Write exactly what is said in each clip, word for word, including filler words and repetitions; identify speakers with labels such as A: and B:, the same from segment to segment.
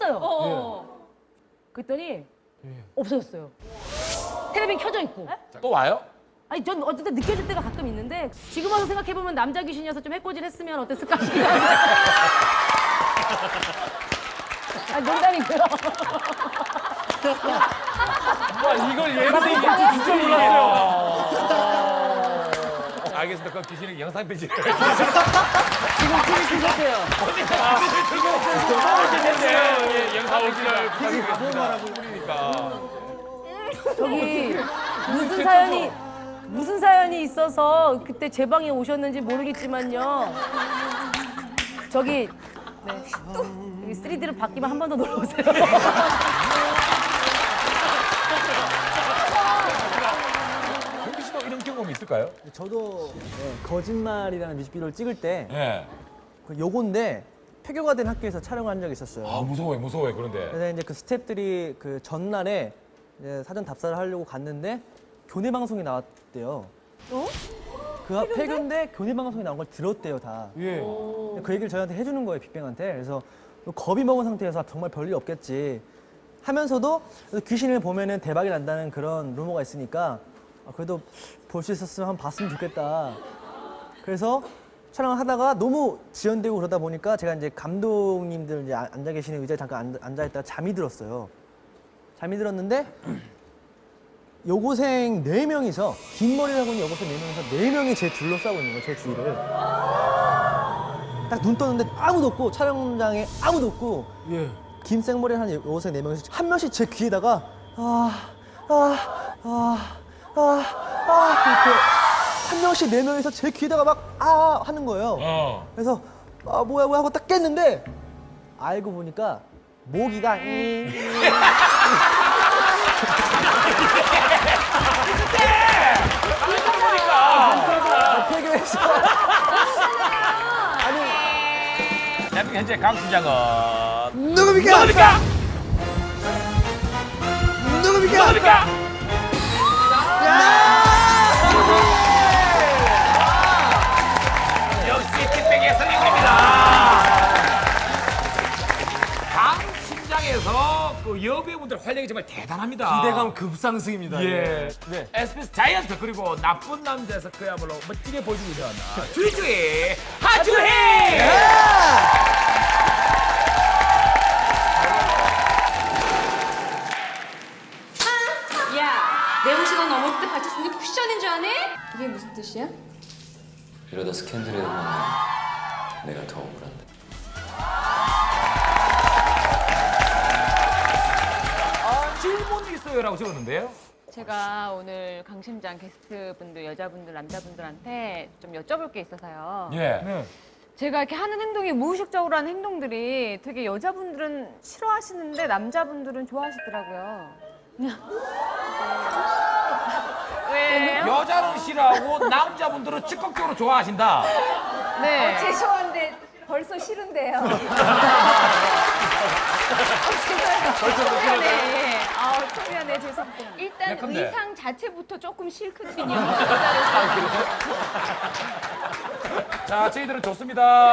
A: 껐어요.
B: 어.
A: 그랬더니 없어졌어요. 텔레비전 켜져 있고.
C: 또 와요?
A: 아니 전 어쨌든 느껴질 때가 가끔 있는데 지금 와서 생각해보면 남자 귀신이어서 좀 해코지를 했으면 어땠을까 싶기도 한데. 아 농담이고요.
C: 와 이걸 예문에 얘기할지 진짜 몰랐어요. 알겠습니다. 그럼 귀신이 영상 편지.
A: 지금 티비 켜졌대요.
C: 영상 편지를 부탁드리겠습니다.
A: 저기 무슨 사연이 무슨 사연이 있어서 그때 제 방에 오셨는지 모르겠지만요. 저기 네. 여기 쓰리디로 바뀌면 한 번 더 놀러 오세요.
C: 홍기 씨도 이런 경험이 있을까요?
D: 저도 네, 거짓말이라는 뮤직비디오를 찍을 때
C: 네.
D: 그 요건데 폐교가 된 학교에서 촬영을 한 적이 있었어요.
C: 아 무서워요, 무서워요. 그런데.
D: 그래서 이제 그 스태프들이 그 전날에 이제 사전 답사를 하려고 갔는데 교내 방송이 나왔대요.
A: 어?
D: 그 폐교인데 교내 방송이 나온 걸 들었대요 다.
C: 예.
D: 그 얘기를 저희한테 해주는 거예요 빅뱅한테. 그래서 겁이 먹은 상태에서 정말 별일 없겠지 하면서도 귀신을 보면은 대박이 난다는 그런 루머가 있으니까 그래도 볼 수 있었으면 한번 봤으면 좋겠다. 그래서 촬영을 하다가 너무 지연되고 그러다 보니까 제가 이제 감독님들 이제 앉아 계시는 의자에 잠깐 앉아 있다가 잠이 들었어요. 잠이 들었는데 여고생 네 명이서 긴 머리를 하고 있는 여고생 네 명이서 네 명이 제 둘러싸고 있는 거예요, 제 주위를. 딱 눈 떴는데 아무도 없고 촬영장에 아무도 없고
C: 예.
D: 긴 생머리를 한 여고생 네 명이서 한 명씩 제 귀에다가 아, 아, 아, 아, 아 이렇게 한 명씩 네 명이서 제 귀에다가 막 아 하는 거예요.
C: 어.
D: 그래서 아 뭐야 뭐야 하고 딱 깼는데 알고 보니까 모기가 잉, 잉. 폐교해서 아니
C: 대한민국 현재 강 팀장은
D: 누굽니까?
C: 누굽니까?
D: 누굽니까?
C: 누굽니까? 역시 빅뱅의 설명입니다. 강 팀장에서 그 여배우분들 활약이 정말 대단합니다.
E: 기대감 급상승입니다.
C: 예.
E: 네.
C: 에스비에스 자이언트 그리고 나쁜 남자에서 그야말로 멋지게 보여주고 있는 주희주희 하주희.
B: 야, 내용 시간 넘었을 때 받쳤으니 쿠션인 줄 아네? 이게 무슨 뜻이야?
F: 이러다 스캔들에 보면 내가 더 억울한데.
C: 아, 질문이 있어요라고 적었는데요.
G: 제가 오늘 강심장 게스트분들, 여자분들, 남자분들한테 좀 여쭤볼 게 있어서요.
C: 예.
G: 제가 이렇게 하는 행동이 무의식적으로 하는 행동들이 되게 여자분들은 싫어하시는데 남자분들은 좋아하시더라고요. 왜요?
C: 여자는 싫어하고 남자분들은 적극적으로 좋아하신다.
G: 네.
B: 죄송한데 벌써 싫은데요.
G: 초면에, 아, 초면에 죄송합니다. 일단
C: 예컨대.
G: 의상 자체부터 조금 싫거든요.
C: 자, 저희들은 좋습니다.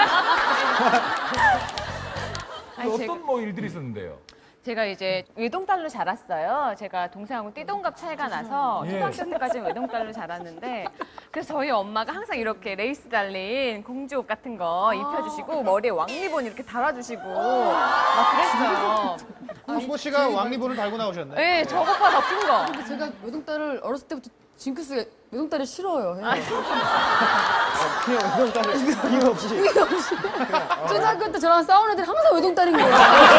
G: 아니,
C: 어떤
G: 제가-
C: 뭐 일들이 있었는데요?
G: 제가 이제 외동딸로 자랐어요. 제가 동생하고 띠동갑 차이가 나서
C: 예.
G: 초등학교 때까지는 외동딸로 자랐는데 그래서 저희 엄마가 항상 이렇게 레이스 달린 공주옷 같은 거 입혀주시고 머리에 왕리본 이렇게 달아주시고 막 그랬어요.
H: 홍보 씨가 왕리본을 달고 나오셨네.
G: 네, 저것보다 더 큰 거.
I: 근데 제가 외동딸을 어렸을 때부터 징크스가 외동딸이 싫어요.
D: 그냥 외동딸을 이유 없이
I: 초등학교 때 저랑 싸우는 애들이 항상 외동딸인 거예요.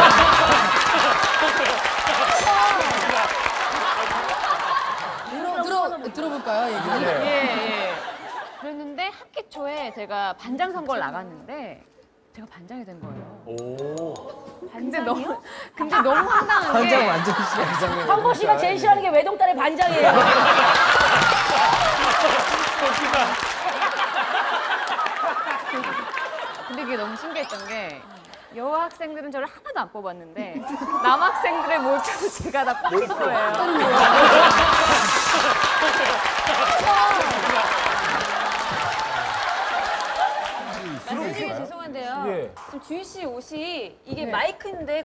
I: 들어, 들어, 들어볼까요, 얘기?
G: 예, 예. 그랬는데 학기 초에 제가 반장 선거를 나갔는데 제가 반장이 된 거예요.
C: 오.
G: 근데 너무 근데 너무 황당한
D: 반장
G: 게
D: 완전 싫어.
A: 황보 씨가 제일 싫어하는 게 외동딸의 반장이에요.
G: 근데 그게 너무 신기했던 게 여학생들은 저를 하나도 안 뽑았는데 남학생들의 몰표도 제가 다 뽑힌 거예요.
B: 선생님 죄송한데요.
C: 예.
B: 지금 주희 씨 옷이 이게 마이크인데